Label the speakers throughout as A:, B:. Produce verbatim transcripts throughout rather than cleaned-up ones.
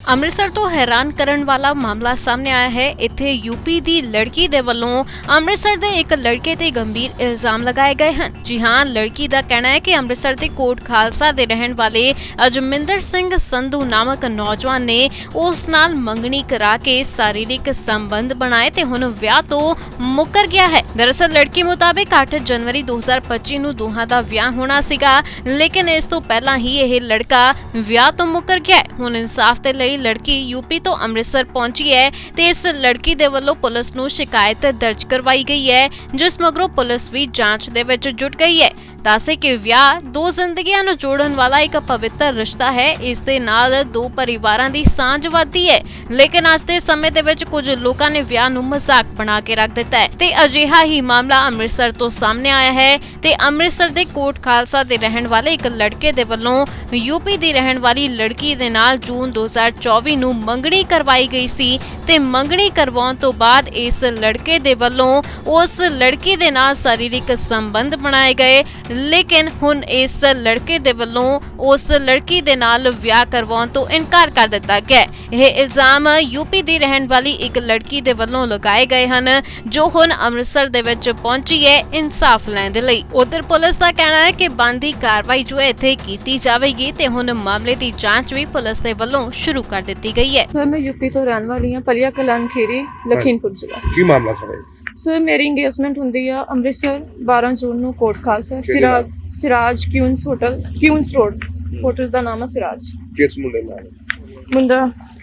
A: ਅੰਮ੍ਰਿਤਸਰ ਤੋਂ ਹੈਰਾਨ ਕਰਨ ਵਾਲਾ ਮਾਮਲਾ ਸਾਹਮਣੇ ਆਇਆ ਹੈ। ਇੱਥੇ ਯੂਪੀ ਦੀ ਲੜਕੀ ਦੇ ਵੱਲੋਂ ਅੰਮ੍ਰਿਤਸਰ ਦੇ ਇੱਕ ਲੜਕੇ ਤੇ ਗੰਭੀਰ ਇਲਜ਼ਾਮ ਲਗਾਏ ਗਏ ਹਨ। ਜੀ ਹਾਂ, ਲੜਕੀ ਦਾ ਕਹਿਣਾ ਹੈ ਕਿ ਅੰਮ੍ਰਿਤਸਰ ਦੇ ਕੋਟ ਖਾਲਸਾ ਦੇ ਰਹਿਣ ਵਾਲੇ ਅਜਮਿੰਦਰ ਸਿੰਘ ਸੰਧੂ ਨਾਮਕ ਨੌਜਵਾਨ ਨੇ ਉਸ ਨਾਲ ਮੰਗਣੀ ਕਰਾ ਕੇ ਸਰੀਰਕ ਸੰਬੰਧ ਬਣਾਏ ਤੇ ਹੁਣ ਵਿਆਹ ਤੋਂ ਮੁੱਕਰ ਗਿਆ ਹੈ। ਦਰਅਸਲ ਲੜਕੀ ਮੁਤਾਬਿਕ ਅੱਠ ਜਨਵਰੀ ਦੋ ਹਜ਼ਾਰ ਪੱਚੀ ਨੂੰ ਦੋਹਾਂ ਦਾ ਵਿਆਹ ਹੋਣਾ ਸੀਗਾ, ਲੇਕਿਨ ਇਸ ਤੋਂ ਪਹਿਲਾਂ ਹੀ ਇਹ ਲੜਕਾ ਵਿਆਹ ਤੋਂ ਮੁੱਕਰ ਗਿਆ ਹੈ। ਹੁਣ ਇਨਸਾਫ ਦੇ ਲਈ ਲੜਕੀ ਯੂਪੀ ਤੋਂ ਅੰਮ੍ਰਿਤਸਰ ਪਹੁੰਚੀ ਹੈ ਤੇ ਇਸ ਲੜਕੀ ਦੇ ਵੱਲੋਂ ਪੁਲਿਸ ਨੂੰ ਸ਼ਿਕਾਇਤ ਦਰਜ ਕਰਵਾਈ ਗਈ ਹੈ, ਜਿਸ ਮਗਰੋਂ ਪੁਲਿਸ ਵੀ ਜਾਂਚ ਦੇ ਵਿੱਚ ਜੁਟ ਗਈ ਹੈ। ਦੱਸੇ ਕਿ ਵਿਆਹ ਦੋ ਜ਼ਿੰਦਗੀਆਂ ਨੂੰ ਜੋੜਨ ਵਾਲਾ ਇੱਕ ਪਵਿੱਤਰ ਰਿਸ਼ਤਾ ਹੈ। ਇਸ ਦੇ ਨਾਲ ਦੋ ਪਰਿਵਾਰਾਂ ਦੀ ਸਾਂਝ ਵੱਧਦੀ ਹੈ, ਲੇਕਿਨ ਅੱਜ ਦੇ ਸਮੇਂ ਦੇ ਵਿੱਚ ਕੁਝ ਲੋਕਾਂ ਨੇ ਵਿਆਹ ਨੂੰ ਮਜ਼ਾਕ ਬਣਾ ਕੇ ਰੱਖ ਦਿੱਤਾ ਹੈ ਤੇ ਅਜਿਹਾ ਹੀ ਮਾਮਲਾ ਅੰਮ੍ਰਿਤਸਰ ਤੋਂ ਸਾਹਮਣੇ ਆਇਆ ਹੈ ਤੇ ਅੰਮ੍ਰਿਤਸਰ ਦੇ ਕੋਟ ਖਾਲਸਾ ਦੇ ਰਹਿਣ ਵਾਲੇ ਇੱਕ ਲੜਕੇ ਦੇ ਵੱਲੋਂ ਯੂਪੀ ਦੀ ਰਹਿਣ ਵਾਲੀ ਲੜਕੀ ਦੇ ਨਾਲ ਜੂਨ ਦੋ ਹਜ਼ਾਰ ਚੌਵੀ ਨੂੰ ਮੰਗਣੀ ਕਰਵਾਈ ਗਈ ਸੀ ਤੇ ਮੰਗਣੀ ਕਰਵਾਉਣ ਤੋਂ ਬਾਅਦ ਇਸ ਲੜਕੇ ਦੇ ਵੱਲੋਂ ਉਸ ਲੜਕੀ ਦੇ ਨਾਲ ਸਰੀਰਕ ਸੰਬੰਧ ਬਣਾਏ ਗਏ, ਲੇਕਿਨ ਹੁਣ ਇਸ ਲੜਕੇ ਦੇ ਵੱਲੋਂ ਉਸ ਲੜਕੀ ਦੇ ਨਾਲ ਵਿਆਹ ਕਰਵਾਉਣ ਤੋਂ ਇਨਕਾਰ ਕਰ ਦਿੱਤਾ ਗਿਆ। ਇਹ ਇਲਜ਼ਾਮ ਯੂਪੀ ਦੀ ਰਹਿਣ ਵਾਲੀ ਇੱਕ ਲੜਕੀ ਦੇ ਵੱਲੋਂ ਲਗਾਏ ਗਏ ਹਨ, ਜੋ ਹੁਣ ਅੰਮ੍ਰਿਤਸਰ ਦੇ ਵਿੱਚ ਪਹੁੰਚੀ ਹੈ ਇਨਸਾਫ ਲੈਣ ਦੇ ਲਈ। ਉਧਰ ਪੁਲਿਸ ਦਾ ਕਹਿਣਾ ਹੈ ਕਿ ਬਣਦੀ ਕਾਰਵਾਈ ਜੋ ਹੈ ਇੱਥੇ ਕੀਤੀ ਜਾਵੇਗੀ ਤੇ ਹੁਣ ਮਾਮਲੇ ਦੀ ਜਾਂਚ ਵੀ ਪੁਲਿਸ ਦੇ ਵੱਲੋਂ ਸ਼ੁਰੂ ਕਰ ਦਿੱਤੀ ਗਈ ਹੈ।
B: ਸਰ ਮੈਂ ਯੂਪੀ ਤੋਂ ਰਹਿਣ ਵਾਲੀ ਹਾਂ, ਪਲੀਆ ਕਲਾਨ ਖੀਰੀ, ਲਖੀਮਪੁਰ ਜ਼ਿਲ੍ਹਾ।
C: ਕੀ ਮਾਮਲਾ ਸਰ?
B: ਸਰ ਮੇਰੀ ਇੰਗੇਜਮੈਂਟ ਹੁੰਦੀ ਆ ਅੰਮ੍ਰਿਤਸਰ ਬਾਰਾਂ ਜੂਨ ਨੂੰ Kot Khalsa, Siraj Siraj Queens hotel, Queens road hotel ਦਾ ਨਾਮ ਹੈ ਸਿਰਾਜ।
C: ਕਿਸ ਮੁੰਡੇ ਨਾਲ?
B: ਮੁੰਡਾ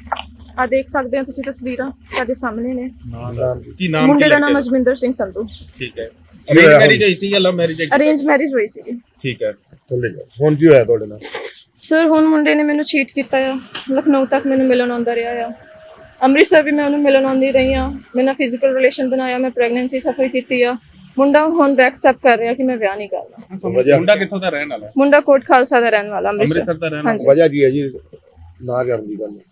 B: ਆ ਦੇਖ ਸਕਦੇ ਹੋ ਤੁਸੀਂ ਤਸਵੀਰਾਂ ਤੁਹਾਡੇ ਸਾਹਮਣੇ ਨੇ।
C: ਨਾਮ
D: ਕੀ ਨਾਮ?
B: ਮੁੰਡੇ ਦਾ ਨਾਮ ਅਜਮਿੰਦਰ ਸਿੰਘ ਸੰਧੂ।
D: ਠੀਕ ਹੈ। ਅਰੇਂਜ ਮੈਰਿਜ ਹੈ ਸੀ ਜਾਂ ਲਵ ਮੈਰਿਜ ਹੈ?
B: ਅਰੇਂਜ ਮੈਰਿਜ ਹੋਈ ਸੀ।
D: ਠੀਕ ਹੈ।
C: ਥੱਲੇ ਜਾ। ਹੁਣ ਕੀ ਹੋਇਆ ਤੁਹਾਡੇ ਨਾਲ?
B: ਸਰ ਹੁਣ ਮੁੰਡੇ ਨੇ ਮੈਨੂੰ ਚੀਟ ਕੀਤਾ ਆ, ਲਖਨਊ ਤੱਕ ਮੈਨੂੰ ਮਿਲਣ ਆਉਂਦਾ ਰਿਹਾ ਆ, ਅੰਮ੍ਰਿਤਸਰ ਵੀ ਮੈਂ ਉਹਨੂੰ ਮਿਲਣ ਆਉਂਦੀ ਰਹੀ ਹਾਂ, ਮੇਰੇ ਨਾਲ ਫਿਜ਼ੀਕਲ ਰਿਲੇਸ਼ਨ ਬਣਾਇਆ, ਮੈਂ ਪ੍ਰੈਗਨੈਂਸੀ ਸਫਰ ਕੀਤੀ ਆ। ਮੁੰਡਾ ਹੁਣ ਬੈਕ ਸਟੈਪ ਕਰ ਰਿਹਾ ਕਿ ਮੈਂ ਵਿਆਹ ਨਹੀਂ ਕਰਨਾ।
D: ਮੁੰਡਾ ਕਿੱਥੋਂ ਦਾ ਰਹਿਣ ਵਾਲਾ ਹੈ?
B: ਮੁੰਡਾ ਕੋਟ ਖਾਲਸਾ ਦਾ ਰਹਿਣ ਵਾਲਾ,
D: ਅੰਮ੍ਰਿਤਸਰ ਦਾ ਰਹਿਣ ਵਾਲਾ।
C: ਵਜ੍ਹਾ ਕੀ ਹੈ ਜੀ ਨਾ ਕਰਨ ਦੀ ਗੱਲ?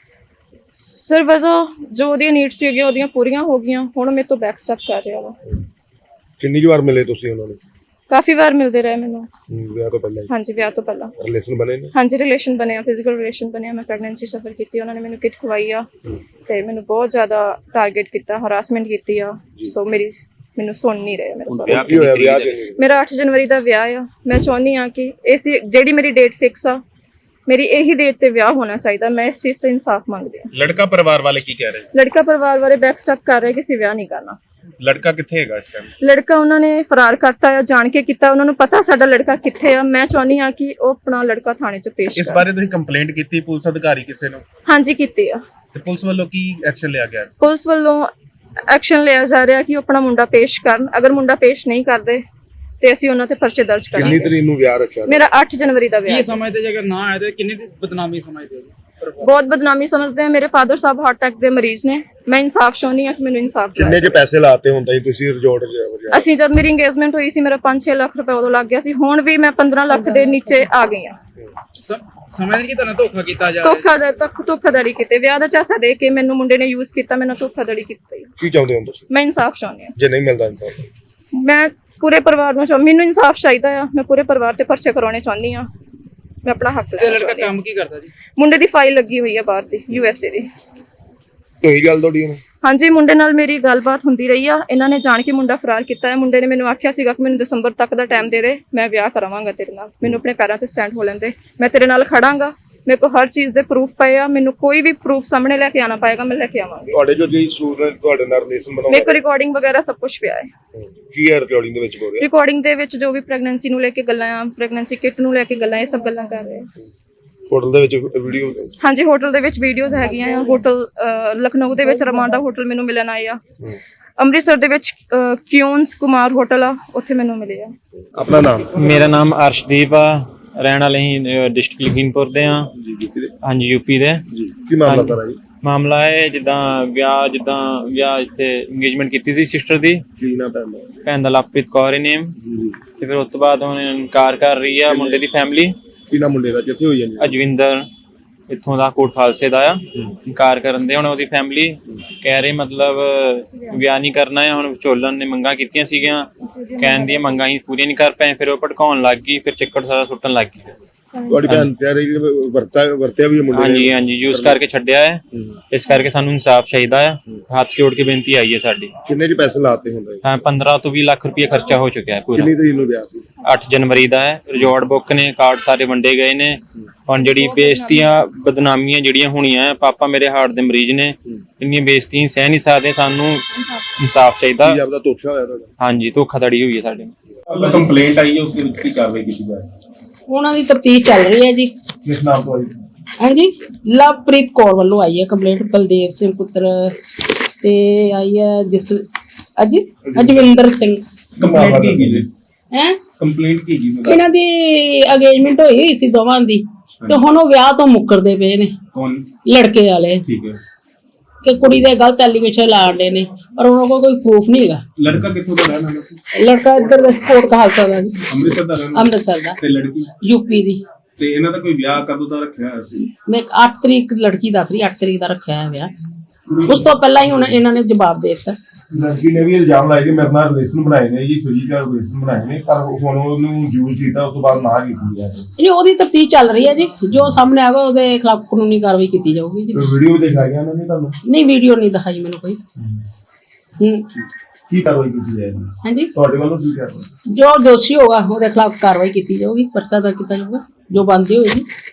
B: ਸਰ ਵਜ੍ਹਾ ਜੋ ਉਹਦੀਆਂ ਨੀਡਸ ਸੀਗੀਆਂ ਉਹਦੀਆਂ ਪੂਰੀਆਂ ਹੋ ਗਈਆਂ, ਹੁਣ ਮੇਰੇ ਤੋਂ ਬੈਕ ਸਟੈਪ ਕਰ ਰਿਹਾ ਵਾ।
C: ਕਿੰਨੀ ਵਾਰ ਮਿਲੇ ਤੁਸੀਂ ਉਹਨਾਂ ਨੂੰ?
B: ਕਾਫੀ ਵਾਰ ਮਿਲਦੇ ਰਹੇ ਮੈਨੂੰ।
C: ਵਿਆਹ ਤੋਂ ਪਹਿਲਾਂ?
B: ਹਾਂਜੀ ਵਿਆਹ ਤੋਂ ਪਹਿਲਾਂ
C: ਰਿਲੇਸ਼ਨ ਬਣੇ ਨੇ?
B: ਹਾਂਜੀ ਰਿਲੇਸ਼ਨ ਬਣਿਆ, ਫਿਜ਼ੀਕਲ ਰਿਲੇਸ਼ਨ ਬਣਿਆ, ਮੈਂ ਪ੍ਰੈਗਨੈਂਸੀ ਸਫਰ ਕੀਤੀ, ਉਹਨਾਂ ਨੇ ਮੈਨੂੰ ਕਿਟ ਖਵਾਈ ਆ ਤੇ ਮੈਨੂੰ ਬਹੁਤ ਜ਼ਿਆਦਾ ਟਾਰਗੇਟ ਕੀਤਾ, ਹਰਾਸਮੈਂਟ ਕੀਤੀ ਆ। ਸੋ ਮੇਰੀ ਮੈਨੂੰ ਸੁਣ ਨਹੀਂ ਰਹੇ ਮੇਰੇ ਸਾਰੇ।
C: ਕੀ ਹੋਇਆ ਵਿਆਹ ਤੇ?
B: ਮੇਰਾ ਅੱਠ ਜਨਵਰੀ ਦਾ ਵਿਆਹ ਆ। ਮੈਂ ਚਾਹੁੰਦੀ ਆ ਕਿ ਇਸ ਜਿਹੜੀ ਮੇਰੀ ਡੇਟ ਫਿਕਸ ਆ, ਮੇਰੀ ਇਹੀ ਡੇਟ ਤੇ ਵਿਆਹ ਹੋਣਾ ਚਾਹੀਦਾ। ਮੈਂ ਇਸ ਚੀਜ਼ ਤੇ ਇਨਸਾਫ ਮੰਗਦੀ ਆ।
D: ਲੜਕਾ ਪਰਿਵਾਰ ਵਾਲੇ ਕੀ ਕਹਿ ਰਹੇ?
B: ਲੜਕਾ ਪਰਿਵਾਰ ਵਾਲੇ ਬੈਕ ਸਟੈਪ ਕਰ ਰਹੇ ਕਿ ਅਸੀਂ ਵਿਆਹ ਨਹੀਂ ਕਰਨਾ।
D: ਲੜਕਾ ਕਿੱਥੇ ਹੈਗਾ ਇਸ ਟਾਈਮ?
B: ਲੜਕਾ ਉਹਨਾਂ ਨੇ ਫਰਾਰ ਕਰਤਾ ਆ, ਜਾਣ ਕੇ ਕੀਤਾ। ਉਹਨਾਂ ਨੂੰ ਪਤਾ ਸਾਡਾ ਲੜਕਾ ਕਿੱਥੇ ਆ। ਮੈਂ ਚਾਹੁੰਦੀ ਆ ਕਿ ਉਹ ਆਪਣਾ ਲੜਕਾ ਥਾਣੇ 'ਚ ਪੇਸ਼
D: ਇਸ
B: ਕਰੇ।
D: ਬਾਰੇ ਤੁਸੀਂ ਕੰਪਲੇਂਟ ਕੀਤੀ ਪੁਲਿਸ ਅਧਿਕਾਰੀ ਕਿਸੇ ਨੂੰ?
B: ਹਾਂਜੀ ਕੀਤੀ ਆ।
D: ਤੇ ਪੁਲਿਸ ਵੱਲੋਂ ਕੀ ਐਕਸ਼ਨ ਲਿਆ ਗਿਆ?
B: ਪੁਲਿਸ ਵੱਲੋਂ ਐਕਸ਼ਨ ਲਿਆ ਜਾ ਰਿਹਾ ਕਿ ਉਹ ਆਪਣਾ ਮੁੰਡਾ ਪੇਸ਼ ਕਰਨ। ਅਗਰ ਮੁੰਡਾ ਪੇਸ਼ ਨਹੀਂ ਕਰਦੇ ਤੇ ਅਸੀਂ ਉਹਨਾਂ ਤੇ ਪਰਚੇ ਦਰਜ
C: ਕਿੰਨੀ
B: ਕਰਾਂਗੇ।
C: ਤਰੀਕ ਨੂੰ ਵਿਆਹ ਰੱਖਿਆ?
B: ਮੇਰਾ ਅੱਠ ਜਨਵਰੀ ਦਾ ਵਿਆਹ।
E: ਕੀ ਸਮਝਦੇ ਜੇ ਅਗਰ ਨਾ ਆਏ ਤੇ ਕਿੰਨੀ ਬਦਨਾਮੀ ਸਮਝਦੇ ਹੋ?
B: ਬਹੁਤ ਬਦਨਾਮੀ ਸਮਝਦੇ ਆ। ਮੇਰੇ ਫਾਦਰ ਸਾਹਿਬ ਹਾਰਟ ਅਟੈਕ ਦੇ ਮਰੀਜ਼ ਨੇ। ਮੈਂ ਇਨਸਾਫ ਚਾਹੁੰਦੀ ਆ ਕਿ ਮੈਨੂੰ ਇਨਸਾਫ
C: ਕਿੰਨੇ
B: ਦਿਵਾਇਆ
C: ਚ ਪੈਸੇ ਲਾਤੇ ਹੁੰਦਾ ਜੀ ਤੁਸੀਂ ਰਿਜ਼ੋਰਟ ਚ?
B: ਅਸੀਂ ਜਦ ਮੇਰੀ ਇੰਗੇਜਮੈਂਟ ਹੋਈ ਸੀ ਮੇਰਾ ਪੰਜ ਛੇ ਲੱਖ ਰੁਪਏ ਉਦੋਂ ਲੱਗ ਗਿਆ ਸੀ। ਹੁਣ ਵੀ ਮੈਂ ਪੰਦਰਾਂ ਲੱਖ ਦੇ ਨੀਚੇ ਆ ਗਈ ਆ।
E: ਸਮਝਦੇ ਕਿ ਤੁਹਾਨੂੰ ਧੋਖਾ ਕੀਤਾ ਜਾ ਰਿਹਾ?
B: ਧੋਖਾਧੜੀ ਤੱਕ ਧੋਖਾਧੜੀ ਕੀਤੇ, ਵਿਆਹ ਦਾ ਝਾਂਸਾ ਦੇ ਕੇ ਮੈਨੂੰ ਮੁੰਡੇ ਨੇ ਯੂਜ਼ ਕੀਤਾ, ਮੈਨੂੰ ਧੋਖਾਧੜੀ ਕੀਤੀ।
C: ਕੀ ਚਾਹੁੰਦੇ ਹੋ ਤੁਸੀਂ?
B: ਮੈਂ ਇਨਸਾਫ ਚਾਹੁੰਦੀ ਆ।
C: ਜੇ ਨਹੀਂ ਮਿਲਦਾ ਇਨਸਾਫ?
B: ਮੈਂ ਪੂਰੇ ਪਰਿਵਾਰ ਨੂੰ ਚਾਹ ਮੈਨੂੰ ਇਨਸਾਫ ਚਾਹੀਦਾ ਆ। ਮੈਂ ਪੂਰੇ ਪਰਿਵਾਰ ਤੇ ਪਰਚੇ ਕਰਾਉਣੇ ਚਾਹੁੰਦੀ ਆ। ਮੈਂ ਆਪਣਾ ਹੱਕ
E: ਤੇ
B: ਲੈਣਾ
E: ਲੜਕਾ
B: ਚਾਹੁੰਦੀ ਹਾਂ।
E: ਕੰਮ ਕੀ ਕਰਦਾ ਜੀ?
B: ਮੁੰਡੇ ਦੀ ਫਾਈਲ ਲੱਗੀ ਹੋਈ ਆ ਬਾਹਰ ਦੀ, ਯੂ ਐਸ ਏ ਦੀ।
C: ਕੋਈ ਗੱਲ ਤੁਹਾਡੀ ਹੁਣ?
B: ਹਾਂਜੀ ਮੁੰਡੇ ਨਾਲ ਮੇਰੀ ਗੱਲਬਾਤ ਹੁੰਦੀ ਰਹੀ ਆ। ਇਹਨਾਂ ਨੇ ਜਾਣ ਕੇ ਮੁੰਡਾ ਫਰਾਰ ਕੀਤਾ ਹੈ। ਮੁੰਡੇ ਨੇ ਮੈਨੂੰ ਆਖਿਆ ਸੀਗਾ ਕਿ ਮੈਨੂੰ ਦਸੰਬਰ ਤੱਕ ਦਾ ਟਾਈਮ ਦੇ ਦੇ, ਮੈਂ ਵਿਆਹ ਕਰਾਵਾਂਗਾ ਤੇਰੇ ਨਾਲ, ਮੈਨੂੰ ਆਪਣੇ ਪੈਰਾਂ ਤੇ ਸਟੈਂਡ ਹੋ ਲੈਂਦੇ, ਮੈਂ ਤੇਰੇ ਨਾਲ ਖੜਾਂਗਾ। ਮੇਰੇ ਕੋਲ ਹਰ ਚੀਜ਼ ਦੇ ਪ੍ਰੂਫ ਪਏ ਆ। ਮੈਨੂੰ ਕੋਈ ਵੀ ਪ੍ਰੂਫ ਸਾਹਮਣੇ ਲੈ ਕੇ ਆਣਾ ਪਏਗਾ, ਮੈਂ ਲੈ ਕੇ ਆਵਾਂਗੀ।
C: ਤੁਹਾਡੇ ਜੋ ਜੀ ਸਟੂਡੈਂਟ ਤੁਹਾਡੇ ਨਾਲ ਰਿਲੇਸ਼ਨ
B: ਮੇਰੇ
C: ਬਣਾਉਂਦੇ
B: ਕੋਲ ਰਿਕਾਰਡਿੰਗ ਵਗੈਰਾ ਸਭ ਕੁਝ ਪਿਆ ਹੈ।
C: ਕੀ ਹੈ ਰਿਕਾਰਡਿੰਗ ਦੇ ਵਿੱਚ ਬੋਲ ਰਿਹਾ?
B: ਰਿਕਾਰਡਿੰਗ ਦੇ ਵਿੱਚ ਜੋ ਵੀ ਪ੍ਰੈਗਨੈਂਸੀ ਨੂੰ ਲੈ ਕੇ ਗੱਲਾਂ ਆ, ਪ੍ਰੈਗਨੈਂਸੀ ਕਿਟ ਨੂੰ ਲੈ ਕੇ ਗੱਲਾਂ, ਇਹ ਸਭ ਗੱਲਾਂ ਕਰ ਰਹੇ ਆ।
C: ਹੋਟਲ ਦੇ ਵਿੱਚ ਵੀਡੀਓ?
B: ਹਾਂਜੀ ਹੋਟਲ ਦੇ ਵਿੱਚ ਵੀਡੀਓਜ਼ ਹੈਗੀਆਂ ਆ। ਹੋਟਲ ਲਖਨਊ ਦੇ ਵਿੱਚ ਰਮਾਂਡਾ ਹੋਟਲ ਮੈਨੂੰ ਮਿਲਣ ਆਏ ਆ। ਅੰਮ੍ਰਿਤਸਰ ਦੇ ਵਿੱਚ ਕਿਊਨਸ ਕੁਮਾਰ ਹੋਟਲ ਆ, ਉੱਥੇ ਮੈਨੂੰ ਮਿਲੇ ਆ।
C: ਆਪਣਾ ਨਾਮ?
F: ਮੇਰਾ ਨਾਮ ਅਰਸ਼ਦੀਪ ਆ, ਰਹਿਣ ਵਾਲੇ ਹੀ ਡਿਸਟ੍ਰਿਕਟ ਲਖੀਮਪੁਰ ਦੇ ਆ। ਹਾਂਜੀ ਯੂਪੀ ਦੇ।
C: ਕੀ ਮਾਮਲਾ ਕਰਾ ਜੀ?
F: ਮਾਮਲਾ ਹੈ ਜਿੱਦਾਂ ਵਿਆਹ ਜਿੱਦਾਂ ਵਿਆਹ ਇੱਥੇ ਇੰਗੇਜਮੈਂਟ ਕੀਤੀ ਸੀ ਸਿਸਟਰ ਦੀ।
C: ਕੀ ਨਾ ਪੈਂਦਾ?
F: ਭੈਣ ਦਾ ਲਵਪ੍ਰੀਤ ਕੌਰ ਹੀ ਨੇਮ। ਤੇ ਫਿਰ ਉਸ ਤੋਂ ਬਾਅਦ ਹੁਣ ਇਨਕਾਰ ਕਰ ਰਹੀ ਆ ਮੁੰਡੇ ਦੀ ਫੈਮਿਲੀ।
C: ਕੀ ਨਾ ਮੁੰਡੇ ਦਾ ਕਿੱਥੇ ਹੋਈ ਜਾਂਦੀ?
F: ਅਜਵਿੰਦਰ ਇੱਥੋਂ ਦਾ ਕੋਟ ਖਾਲਸੇ ਦਾ ਆ। ਇਨਕਾਰ ਕਰਨ ਦੇ ਹੁਣ ਉਹਦੀ ਫੈਮਿਲੀ ਕਹਿ ਰਹੀ ਮਤਲਬ ਵਿਆਹ ਨਹੀਂ ਕਰਨਾ ਹੈ। ਹੁਣ ਵਿਚੋਲਨ ਨੇ ਮੰਗਾਂ ਕੀਤੀਆਂ ਸੀਗੀਆਂ, ਕਹਿਣ ਦੀਆਂ ਮੰਗਾਂ ਹੀ ਪੂਰੀਆਂ ਨਹੀਂ ਕਰ ਪਏ। ਫਿਰ ਉਹ ਭੜਕਾਉਣ ਲੱਗ ਗਈ, ਫਿਰ ਚੱਕਰ ਸਾਰਾ ਸੁੱਟਣ ਲੱਗ ਗਈ।
C: ਤੁਹਾਡੀ ਭੈਣ ਕਹਿ ਰਹੀ ਕਿ ਵਰਤਾ ਵਰਤਿਆ ਵੀ ਹੈ ਮੁੰਡੇ ਨੇ।
F: ਹਾਂਜੀ ਹਾਂਜੀ ਯੂਜ਼ ਕਰਕੇ ਛੱਡਿਆ ਹੈ, ਇਸ ਕਰਕੇ ਸਾਨੂੰ ਇਨਸਾਫ ਚਾਹੀਦਾ ਆ। ਹੱਥ ਜੋੜ ਕੇ ਬੇਨਤੀ ਆਈ ਹੈ ਸਾਡੀ।
C: ਕਿੰਨੇ ਜੀ ਪੈਸੇ ਲਾਤੇ ਹੁੰਦੇ?
F: ਹਾਂ ਪੰਦਰਾਂ ਤੋਂ ਵੀਹ ਲੱਖ ਰੁਪਏ ਖਰਚਾ ਹੋ ਚੁੱਕਿਆ ਹੈ ਪੂਰਾ।
C: ਕਿੰਨੀ ਤਰੀਕ ਨੂੰ ਵਿਆਹ ਸੀ?
F: ਅੱਠ ਜਨਵਰੀ ਦਾ ਹੈ। ਰਿਜ਼ੋਰਟ ਬੁੱਕ ਨੇ, ਕਾਰਡ ਸਾਰੇ ਵੰਡੇ ਗਏ ਨੇ। ਹੁਣ ਜਿਹੜੀ ਬੇਇੱਜ਼ਤੀਆਂ ਬਦਨਾਮੀਆਂ ਜਿਹੜੀਆਂ ਹੋਣੀਆਂ, ਪਾਪਾ ਮੇਰੇ ਹਾਰਟ ਦੇ ਮਰੀਜ਼ ਨੇ, ਇੰਨੀਆਂ ਬੇਇੱਜ਼ਤੀਆਂ ਸਹਿ ਨਹੀਂ ਸਕਦੇ। ਸਾਨੂੰ ਇਨਸਾਫ ਚਾਹੀਦਾ।
C: ਕੀ ਆਪਦਾ ਧੋਖਾ ਹੋਇਆ ਤੁਹਾਡਾ?
F: ਹਾਂਜੀ ਧੋਖਾਧੜੀ ਹੋਈ ਹੈ ਸਾਡੇ ਨਾਲ।
D: ਕੰਪਲੇਂਟ ਆਈ ਹੈ, ਉਸ ਦੇ ਵਿੱਚ ਕੀ ਕਾਰਵਾਈ ਕੀਤੀ ਜਾਏ?
G: ਉਹਨਾਂ ਦੀ ਤਫਤੀਸ਼ ਚੱਲ ਰਹੀ ਹੈ ਜੀ।
C: ਕਿਸ ਨਾਮ ਤੋਂ ਆਈ?
G: ਹਾਂਜੀ ਲਵਪ੍ਰੀਤ ਕੌਰ ਵੱਲੋਂ ਆਈ ਹੈ ਕੰਪਲੇਂਟ, ਬਲਦੇਵ ਸਿੰਘ ਪੁੱਤਰ ਤੇ ਆਈ ਹੈ ਜਿਸ ਅਜੀ ਅਜਵਿੰਦਰ ਸਿੰਘ।
D: ਕੰਪਲੇਂਟ ਕੀ ਕੀ ਜੀ?
G: ਹੈ
D: ਕੰਪਲੇਂਟ ਕੀ ਜੀ?
G: ਇਹਨਾਂ ਦੀ ਅਗੇਜਮੈਂਟ ਹੋਈ ਹੋਈ ਸੀ ਦੋਵਾਂ ਦੀ, ਤੇ ਹੁਣ ਉਹ ਵਿਆਹ ਤੋਂ ਮੁੱਕਰਦੇ ਪਏ ਨੇ
D: ਕੌਣ?
G: ਲੜਕੇ ਵਾਲੇ,
D: ਠੀਕ ਹੈ।
G: ਕਿ ਕੁੜੀ ਦੇ ਗਲਤ ਐਲੀਗੇਸ਼ਨ ਲਾਉਂਦੇ ਨੇ, ਪਰ ਉਹਨਾਂ ਕੋਲ ਕੋਈ ਪ੍ਰੂਫ ਨਹੀਂ ਹੈਗਾ।
D: ਲੜਕਾ ਕਿੱਥੋਂ ਦਾ ਰਹਿਣ ਵਾਲਾ ਸੀ?
G: ਲੜਕਾ ਇੱਧਰ ਦਾ ਕੋਟ ਕਹਾਲਸਾ ਦਾ ਜੀ,
D: ਅੰਮ੍ਰਿਤਸਰ ਦਾ ਰਹਿਣ ਵਾਲਾ?
G: ਅੰਮ੍ਰਿਤਸਰ ਦਾ।
D: ਤੇ ਲੜਕੀ?
G: ਯੂਪੀ ਦੀ।
D: ਤੇ ਇਹਨਾਂ ਦਾ ਕੋਈ ਵਿਆਹ ਕਦੋਂ ਦਾ ਰੱਖਿਆ ਹੋਇਆ ਸੀ?
G: ਮੈਂ ਅੱਠ ਤਰੀਕ ਲੜਕੀ ਦੱਸ ਰਹੀ, ਅੱਠ ਤਰੀਕ ਦਾ ਰੱਖਿਆ ਹੈ ਵਿਆਹ। ਉਸ ਤੋਂ ਪਹਿਲਾਂ ਹੀ ਹੁਣ ਇਹਨਾਂ ਨੇ ਜਵਾਬ ਦੇ ਦਿੱਤਾ।
C: ਲੜਕੀ ਨੇ ਵੀ ਇਲਜ਼ਾਮ ਲਾਇਆ ਕਿ ਮੇਰੇ ਨਾਲ ਰਿਲੇਸ਼ਨ ਬਣਾਏ ਨੇ ਜੀ, ਫਿਜ਼ੀਕਲ ਰਿਲੇਸ਼ਨ ਬਣਾਏ ਨੇ, ਪਰ ਹੁਣ ਉਹਨੂੰ ਯੂਜ਼ ਕੀਤਾ, ਉਸ ਤੋਂ ਬਾਅਦ ਨਾ ਕੀਤੀ ਹੈ।
G: ਜੀ ਉਹਦੀ ਤਫਤੀਸ਼ ਚੱਲ ਰਹੀ ਹੈ ਜੀ, ਜੋ ਸਾਹਮਣੇ ਆਗਾ ਉਹਦੇ ਖਿਲਾਫ ਕਾਨੂੰਨੀ ਕਾਰਵਾਈ ਕੀਤੀ ਜਾਊਗੀ ਜੀ।
C: ਵੀਡੀਓ ਦਿਖਾਈਆਂ ਉਹਨਾਂ ਨੇ ਤੁਹਾਨੂੰ?
G: ਨਹੀਂ ਵੀਡੀਓ ਨਹੀਂ ਦਿਖਾਈ ਮੈਨੂੰ ਕੋਈ। ਹੂੰ
C: ਕੀ ਕਾਰਵਾਈ ਕੀਤੀ ਜਾਏਗੀ
G: ਹਾਂਜੀ
C: ਤੁਹਾਡੇ ਵੱਲੋਂ? ਕੀ ਕਾਰਵਾਈ?
G: ਜੋ ਦੋਸ਼ੀ ਹੋਗਾ ਉਹਦੇ ਖਿਲਾਫ ਕਾਰਵਾਈ ਕੀਤੀ ਜਾਊਗੀ, ਪਰਚਾ ਦਰਜ ਕੀਤਾ ਜਾਊਗਾ, ਜੋ ਬਣਦੀ ਹੋਏਗੀ।